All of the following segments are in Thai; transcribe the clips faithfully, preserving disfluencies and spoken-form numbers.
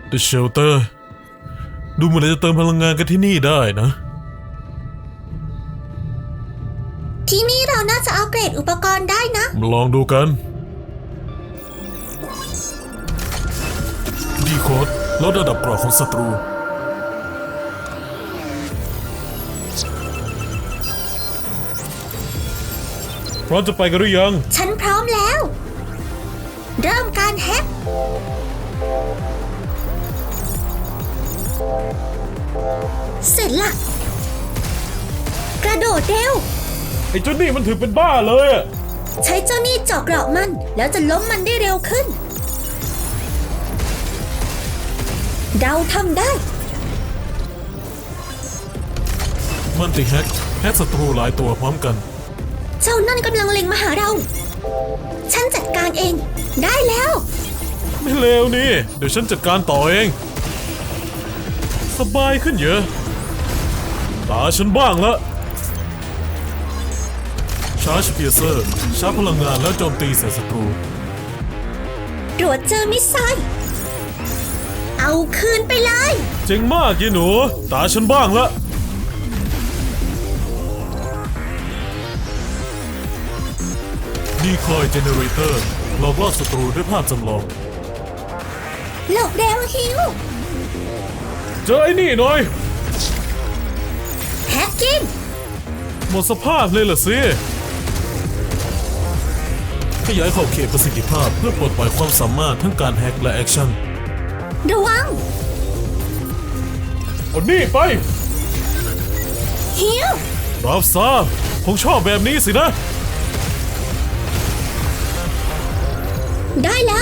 The Shelter ดูเหมือนจะเติมพลังงานกันที่นี่ได้นะที่นี่เราน่าจะอัปเกรดอุปกรณ์ได้นะมาลองดูกันดีโค้ดลดระดับเกราะของศัตรูพร้อมจะไปกันหรือยังฉันพร้อมแล้ว เริ่มการแฮกเสร็จละกระโดดเร็วไอ้เจ้านี่มันถือเป็นบ้าเลยอะใช้เจ้านี่เจาะเกราะมันแล้วจะล้มมันได้เร็วขึ้นเราทำได้มันติแฮกแฮกศัตรูหลายตัวพร้อมกันเจ้านั่นกำลังเล็งมาหาเรา ฉันจัดการเองได้แล้วไม่เลวนี่ เดี๋ยวฉันจัดการต่อเอง สบายขึ้นเยอะ ตาฉันบ้างละชาร์จเพียเซอร์ชาร์จพลังงานแล้วโจมตีใส่ศัตรูตรวจเจอมิสไซล์เอาคืนไปเลยเจ๋งมากยีหนู ตาฉันบ้างละดีคอยเจเนเรเตอร์หลอกล่อศัตรูด้วยภาพจำลองหลบเร็วฮิวเจอไอ้นี่หน่อยแฮกกิ้งหมดสภาพเลยล่ะสิขยายขอบเขตประสิทธิภาพเพื่อปลดปล่อยความสามารถทั้งการแฮกและแอคชั่นระวังเอานี่ไปฮิวรับซาคงชอบแบบนี้สินะได้แล้ว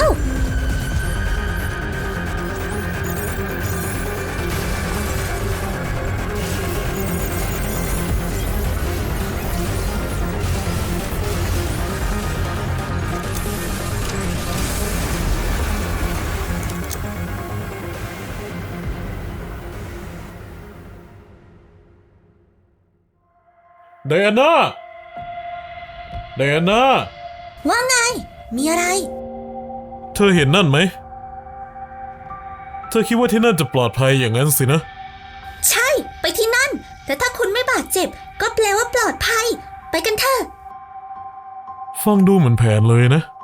ไดอาน่า ไดอาน่าว่าไง มีอะไรเธอเห็นนั่นไหม เธอคิดว่าที่นั่นจะปลอดภัยอย่างนั้นสินะใช่ ไปที่นั่น แต่ถ้าคุณไม่บาดเจ็บ ก็แปลว่าปลอดภัย ไปกันเถอะฟังดูเหมือนแผนเลยนะ